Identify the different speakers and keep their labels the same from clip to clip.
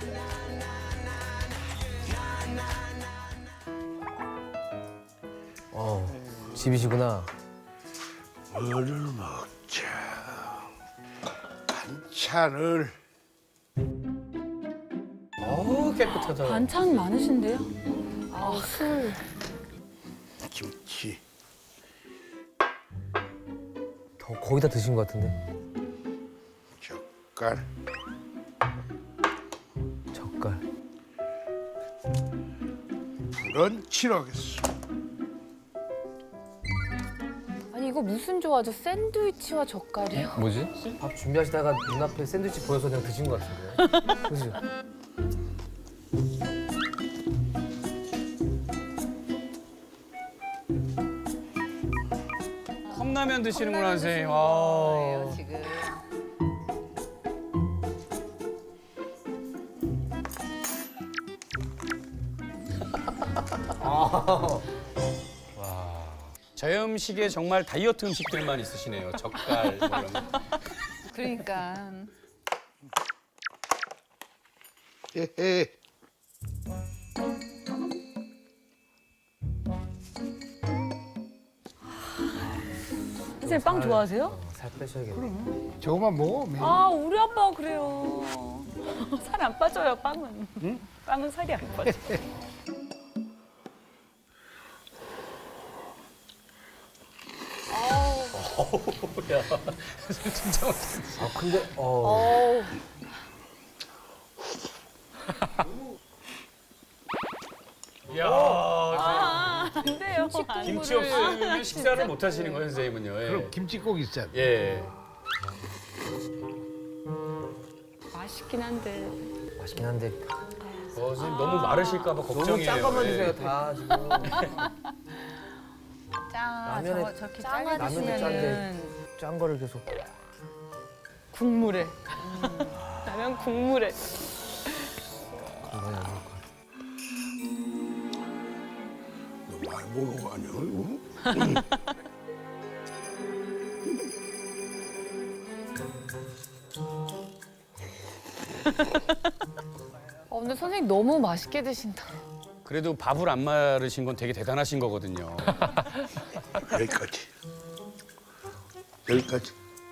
Speaker 1: 집이시구나.
Speaker 2: 뭐를 먹자. 반찬을.
Speaker 1: 깨끗하다.
Speaker 3: 반찬 많으신데요? 술.
Speaker 2: 김치.
Speaker 1: 거의 다 드신 것 같은데.
Speaker 2: 젓갈.
Speaker 1: 젓갈.
Speaker 2: 브런치로 하겠어.
Speaker 3: 아니 이거 무슨 조화죠? 샌드위치와 젓갈이요?
Speaker 1: 뭐지? 밥 준비하시다가 눈앞에 샌드위치 보여서 그냥 드신 것 같은데. 그지?
Speaker 4: 컵라면 드시는구나, 선생님. 아.
Speaker 3: 지금.
Speaker 4: 저희 음식에 정말 다이어트 음식들만 있으시네요. 젓갈 뭐 이런 거.
Speaker 3: 그러니까.
Speaker 2: 헤헤.
Speaker 3: 선생님 빵 좋아하세요?
Speaker 1: 살 빼셔야겠네.
Speaker 2: 저거만 먹어. 매일.
Speaker 3: 아 우리 아빠가 그래요. 살 안 빠져요 빵은. 응? 빵은 살이 안 빠져.
Speaker 4: 야, 진짜 맛있어.
Speaker 1: 근데
Speaker 4: 야,
Speaker 3: 안 돼요.
Speaker 4: 김치 없으면 식사를 못 하시는 거예요, 선생님은요. 예.
Speaker 2: 그럼 김치 꼭 있어야 돼.
Speaker 4: 예.
Speaker 3: 맛있긴 한데.
Speaker 1: 맛있긴 한데
Speaker 4: 선생님 너무 마르실까 봐
Speaker 1: 너무
Speaker 4: 걱정이에요.
Speaker 1: 짠 것만
Speaker 4: 예.
Speaker 1: 드세요 다 지금. 라면에
Speaker 3: 저렇게
Speaker 1: 라면에 짠데 짠 거를 계속.
Speaker 3: 국물에. 라면 국물에.
Speaker 1: 많이 안 먹을 것
Speaker 2: 너 많이 먹는 거 아니야? 이거?
Speaker 3: 근데 선생님 너무 맛있게 드신다.
Speaker 4: 그래도 밥을 안 마르신 건 되게 대단하신 거거든요.
Speaker 2: 여기까지. 여기까지.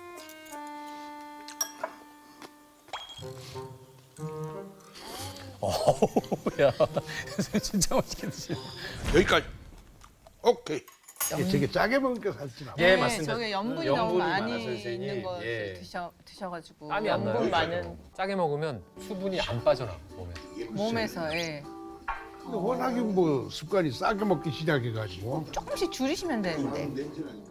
Speaker 4: 야, 선생님 진짜 맛있게 드시네.
Speaker 2: 여기까지. 오케이. 되게 짜게 먹으니까 살찌나 봐.
Speaker 4: 예, 맞습니다.
Speaker 5: 저게 연분이
Speaker 4: 연분이
Speaker 5: 너무
Speaker 4: 많아서
Speaker 5: 많이
Speaker 4: 선생님.
Speaker 5: 있는 거
Speaker 4: 예.
Speaker 5: 드셔가지고
Speaker 1: 땀이 안 나요?
Speaker 5: 많은
Speaker 6: 짜게 먹으면 수분이 안 빠져나 몸에.
Speaker 5: 몸에서 예.
Speaker 2: 근데 워낙에 뭐 습관이 싸게 먹기 시작해가지고.
Speaker 5: 조금씩 줄이시면 되는데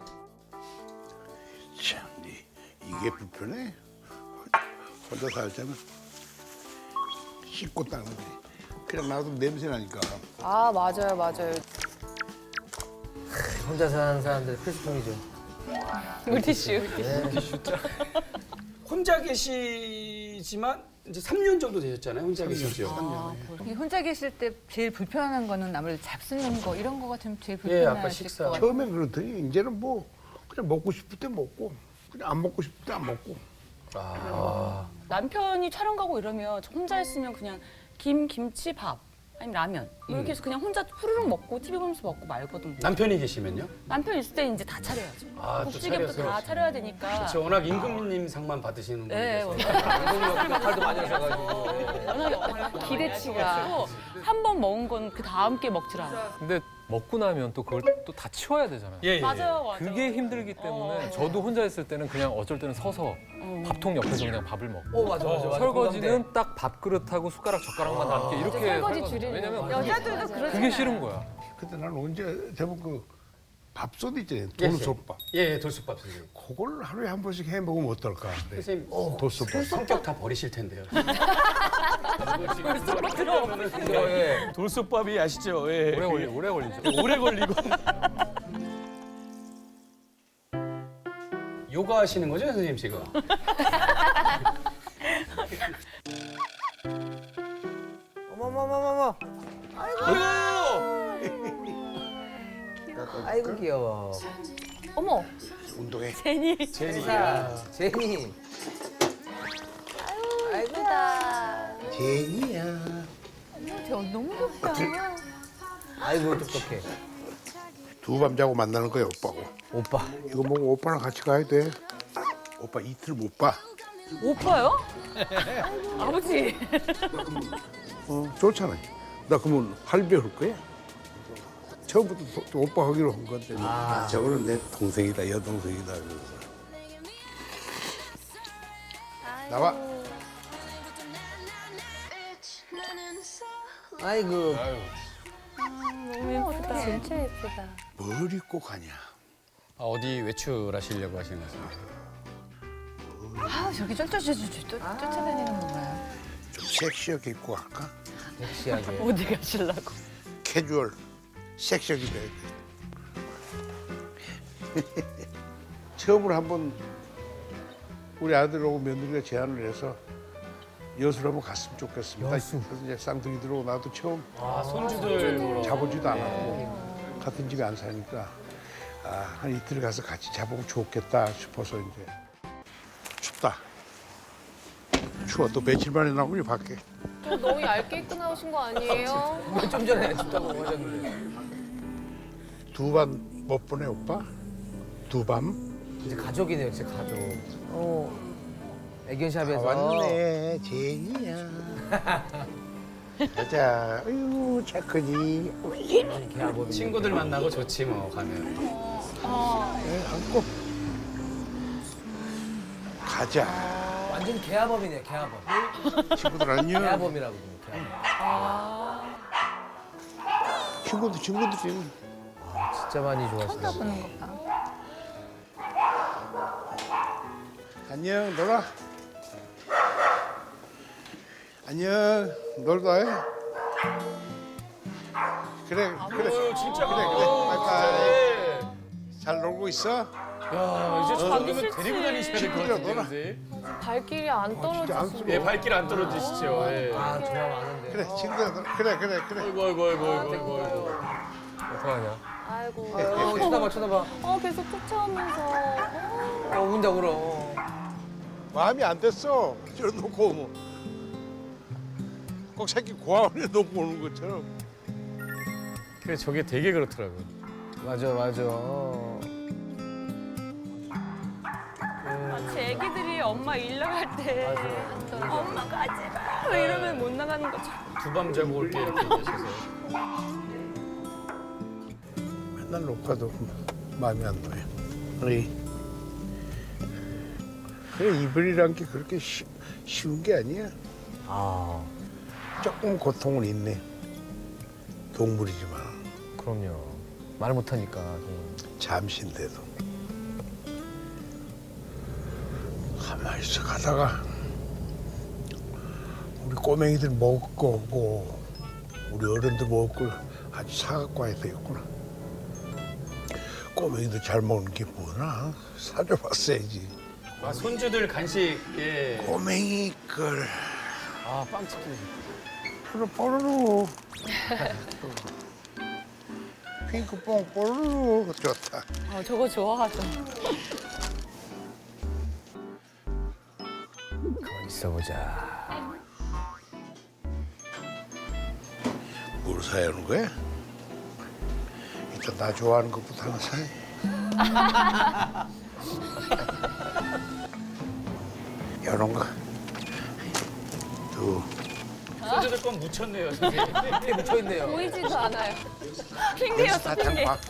Speaker 2: 참, 이게 불편해. 혼자 살 때는 씻고 닦는 게 그냥 놔두면 냄새 나니까.
Speaker 3: 아 맞아요 맞아요.
Speaker 1: 혼자 사는 사람들 필수품이죠.
Speaker 3: 물티슈.
Speaker 4: 혼자 계시지만 이제 3년 정도 되셨잖아요. 혼자 계시죠.
Speaker 5: 이 혼자 계실 때 제일 불편한 거는 아무래도 잡수는 거 이런 거 같으면 제일
Speaker 4: 예, 아까
Speaker 5: 불편하실
Speaker 4: 식사.
Speaker 5: 것 같아요.
Speaker 2: 처음엔 그렇더니 이제는 뭐 그냥 먹고 싶을 때 먹고 그냥 안 먹고 싶을 때 안 먹고.
Speaker 3: 남편이 촬영 가고 이러면 저 혼자 있으면 그냥 김치, 밥 아니면 라면 이렇게 해서 그냥 혼자 후루룩 먹고 TV 보면서 먹고 말거든요.
Speaker 4: 남편이 계시면요?
Speaker 3: 남편 있을 때 이제 다 차려야죠.
Speaker 4: 아, 또
Speaker 3: 국찌개부터
Speaker 4: 차려서.
Speaker 3: 다 차려야 되니까.
Speaker 4: 저 워낙 임금님 상만 받으시는
Speaker 3: 네,
Speaker 4: 분이라서.
Speaker 1: 역할도 많이 하셔가지고.
Speaker 3: 워낙 기대치가 한 번 먹은 건 그 다음 게 먹질 않아요.
Speaker 6: 근데 먹고 나면 또 그걸 또 다 치워야 되잖아요.
Speaker 4: 예, 예.
Speaker 3: 맞아요.
Speaker 6: 그게 힘들기 때문에 저도 혼자 있을 때는 그냥 어쩔 때는 서서 밥통 옆에서 그냥 밥을 먹고
Speaker 1: 맞아.
Speaker 6: 설거지는 딱 밥그릇하고 숟가락 젓가락만 남게 이렇게
Speaker 3: 설거지
Speaker 6: 하거든요.
Speaker 3: 줄이는
Speaker 6: 왜냐면
Speaker 3: 여자들도
Speaker 6: 그게 싫은 거야.
Speaker 2: 근데 난 언제 대부분 그 밥솥 있잖아요.
Speaker 4: 예,
Speaker 2: 돌솥밥.
Speaker 4: 예, 돌솥밥 선생님.
Speaker 2: 그걸 하루에 한 번씩 해 먹으면 어떨까? 그래.
Speaker 4: 선생님,
Speaker 2: 돌솥밥.
Speaker 4: 성격 다 버리실 텐데요.
Speaker 1: 예.
Speaker 4: 돌솥밥이 아시죠? 예.
Speaker 6: 오래 걸리죠.
Speaker 4: 오래 걸리고. 요가 하시는 거죠, 선생님 지금?
Speaker 1: 어머머머머머. 아이고 귀여워.
Speaker 3: 어머,
Speaker 2: 운동해.
Speaker 3: 제니.
Speaker 4: 제니야.
Speaker 1: 제니.
Speaker 3: 예쁘다.
Speaker 2: 제니야.
Speaker 5: 저 너무 좋다.
Speaker 1: 아이고 똑똑해.
Speaker 2: 두 밤 자고 만나는 거야 오빠고.
Speaker 1: 오빠.
Speaker 2: 이거 보고 오빠랑 같이 가야 돼. 오빠 이틀 못 봐.
Speaker 3: 오빠요? 아버지.
Speaker 2: 좋잖아. 나 그러면 할배 올 거야? 처음부터 또 오빠 하기로 한 건데. 저거는 내 동생이다, 여동생이다. 그래서. 나와.
Speaker 1: 아이고.
Speaker 3: 너무 예쁘다.
Speaker 5: 진짜 예쁘다.
Speaker 2: 뭘 입고 가냐?
Speaker 4: 어디 외출하시려고 하시는 거세요?
Speaker 5: 아, 저기 쫓아다니는 건가요?
Speaker 2: 좀 섹시하게 입고 갈까?
Speaker 1: 섹시하게.
Speaker 3: 어디 가시려고?
Speaker 2: 캐주얼, 섹시하게 입어야 돼. 처음으로 한번 우리 아들하고 며느리가 제안을 해서 여수를 한번 갔으면 좋겠습니다.
Speaker 1: 여수.
Speaker 2: 그래서 이제 쌍둥이 들어오고 나도 처음
Speaker 4: 손주들 보러.
Speaker 2: 자보지도 않았고 같은 집에 안 사니까 한 이틀 가서 같이 자보면 좋겠다 싶어서 이제 춥다. 추워. 또 며칠 만에 나오니 밖에.
Speaker 7: 좀 너무 얇게 입고 나오신 거 아니에요?
Speaker 1: 좀 전에 춥다고 하셨는데.
Speaker 2: 두 밤 못 보내 오빠? 두 밤?
Speaker 1: 이제 가족이네요, 진짜 가족. 애견샵에서.
Speaker 2: 왔네 제니야. 가자. 아유 착하지.
Speaker 1: 개아범이.
Speaker 4: 친구들 만나고 좋지 뭐 가면.
Speaker 2: 안고 가자.
Speaker 1: 완전 개아범이네요, 개아범.
Speaker 2: 친구들 안녕.
Speaker 1: 개아범이라고 부르는 개아범.
Speaker 2: 친구들이
Speaker 1: 진짜 많이 좋아하시네.
Speaker 5: 쳐다보는 것 봐.
Speaker 2: 안녕 놀아. 안녕 놀다 해. 그래
Speaker 4: 진짜
Speaker 2: 그래 바이바이. 잘 놀고 있어?
Speaker 4: 야 이제 저녁이면 데리고 다니셔야 될 것
Speaker 2: 친구들이랑
Speaker 4: 같은데.
Speaker 2: 놀아.
Speaker 4: 선생님.
Speaker 7: 발길이 안
Speaker 2: 진짜
Speaker 7: 떨어지시고.
Speaker 2: 안쓰러워.
Speaker 4: 예, 발길 안 떨어지시죠. 예.
Speaker 1: 아, 좋아 많은데.
Speaker 2: 그래 친구들 놀아. 그래
Speaker 4: 아이고 아이고 아이고 아이고 아이고.
Speaker 6: 어떡하냐?
Speaker 7: 아이고.
Speaker 1: 쳐다봐.
Speaker 7: 계속 쫓아오면서.
Speaker 1: 운다 울어.
Speaker 2: 마음이 안 됐어. 저러놓고 오면 꼭 새끼 고아원에 놓고 오는 것처럼.
Speaker 4: 그래 저게 되게 그렇더라고요.
Speaker 1: 맞아.
Speaker 3: 제 애기들이 엄마 일 나갈 때 엄마 가지 마 이러면 못 나가는 거죠.
Speaker 4: 두 밤 자고 올게 이렇게 얘기하셔서.
Speaker 2: 맨날 못 가도 마음이 안 놓여. 그래 이별이란 게 그렇게 쉬운 게 아니야. 조금 고통은 있네. 동물이지만
Speaker 1: 그럼요. 말 못하니까.
Speaker 2: 잠시인데도 가만히 있어 가다가 우리 꼬맹이들 먹을 거 오고 우리 어른들 먹을 걸 아주 사갖고 와야 되겠구나. 꼬맹이들 잘 먹는 게 뭐나 사줘봤어야지.
Speaker 4: 손주들 간식 예.
Speaker 2: 꼬맹이 걸
Speaker 4: 빵치킨.
Speaker 2: 뽀로로 핑크뽕 뽀로로 좋다.
Speaker 3: 저거 좋아하죠.
Speaker 1: 가만히 있어보자.
Speaker 2: 뭘 사야 하는 거야? 일단 나 좋아하는 것부터 하나 사야. 이런 거. 두.
Speaker 4: 손주들 건 묻혔네요. 선생님.
Speaker 1: 이렇게 묻혀있네요.
Speaker 7: 보이지도 않아요.
Speaker 3: 핑계였어 핑계.
Speaker 2: 봐.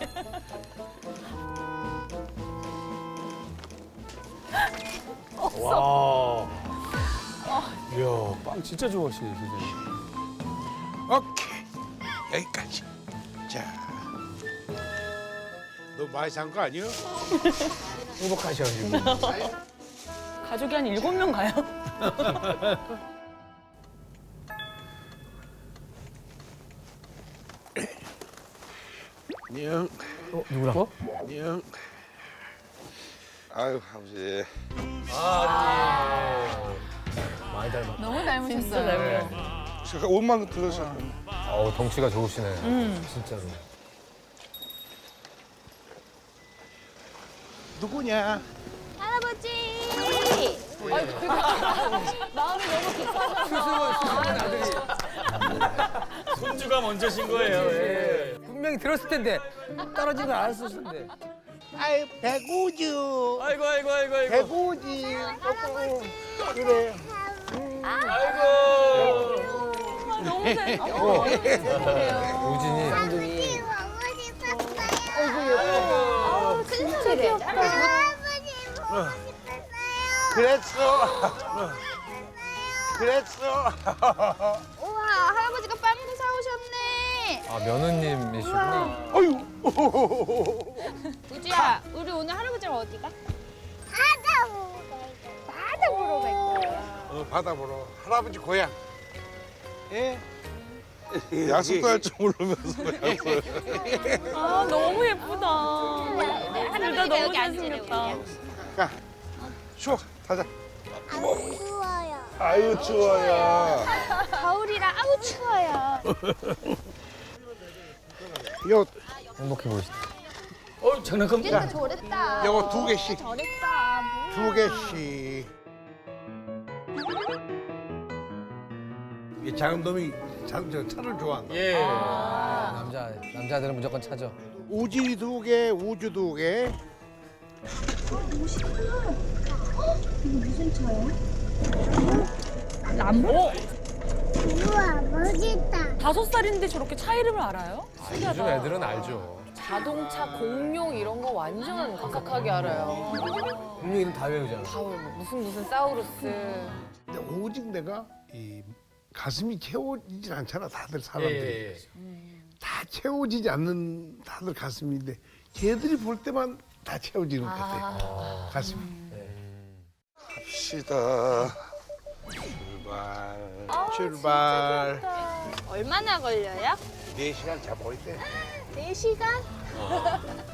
Speaker 4: 와. 이야 빵 진짜 좋아하시네 선생님.
Speaker 2: 오케이. 여기까지. 자. 너 많이 산 거 아니야?
Speaker 1: 행복하셔, 지금.
Speaker 3: 가족이 한 7명 가요?
Speaker 2: 안녕.
Speaker 1: 누구랑?
Speaker 2: 안녕. 아유, 아버지.
Speaker 1: 많이 닮았다.
Speaker 5: 너무 닮으셨어요.
Speaker 2: 제가 옷만 들어서.
Speaker 6: 덩치가 좋으시네.
Speaker 1: 진짜로.
Speaker 2: 누구냐?
Speaker 7: 할아버지! 마음이 너무 급하셔서.
Speaker 4: 손주가 먼저신 거예요. 예.
Speaker 1: 분명히 들었을 텐데 떨어진 걸 알았을 텐데.
Speaker 2: 아이 배구주.
Speaker 4: 아이고 아이고 아이고 아이고.
Speaker 2: 배구지. 그래.
Speaker 4: 아이고.
Speaker 3: 너무 재밌어.
Speaker 6: 우진이
Speaker 4: 아이고.
Speaker 7: 진짜 귀엽다.
Speaker 2: 그랬어. 그랬어.
Speaker 8: 우와, 할아버지가 빵도 사오셨네.
Speaker 6: 아 며느님이시구나.
Speaker 2: 어유.
Speaker 8: 우지야, 우리 오늘 할아버지랑 어디 가? 바다 보러 갈 거야.
Speaker 2: 바다 보러 할아버지 고향. 예?
Speaker 9: 약속도 할 줄 모르면서
Speaker 3: 아 너무 예쁘다. 둘다 너무
Speaker 8: 여기 앉으래,
Speaker 3: 잘생겼다.
Speaker 2: 가. 추워. 가자.
Speaker 8: 추워요.
Speaker 9: 아유 추워요.
Speaker 8: 겨울이라 아우 추워요.
Speaker 2: 요
Speaker 1: 행복해 보이시다.
Speaker 4: 장난감.
Speaker 8: 우리도 저랬다.
Speaker 2: 요거 2개씩.
Speaker 8: 저랬다.
Speaker 2: 2개씩. 이 작은 놈이 차를 좋아한다.
Speaker 4: 예.
Speaker 1: 남자들은 무조건 차죠.
Speaker 2: 우진이 2개, 우주 2개.
Speaker 8: 우와, 멋있다.
Speaker 3: 5살인데 저렇게 차 이름을 알아요?
Speaker 6: 요즘 애들은 알죠.
Speaker 7: 자동차 공룡 이런 거 완전 각각하게 알아요.
Speaker 1: 분명 이름 다 외우잖아.
Speaker 7: 다 무슨 사우루스.
Speaker 2: 근데 오직 내가 이 가슴이 채워지질 않잖아. 다들
Speaker 4: 예.
Speaker 2: 사람들이. 다 채워지지 않는 다들 가슴인데 걔들이 볼 때만 다 채워지는 것 같아. 가슴이.
Speaker 9: 갑시다.
Speaker 2: 출발.
Speaker 8: 얼마나 걸려요?
Speaker 2: 4시간 잡아올 때.
Speaker 8: 4시간?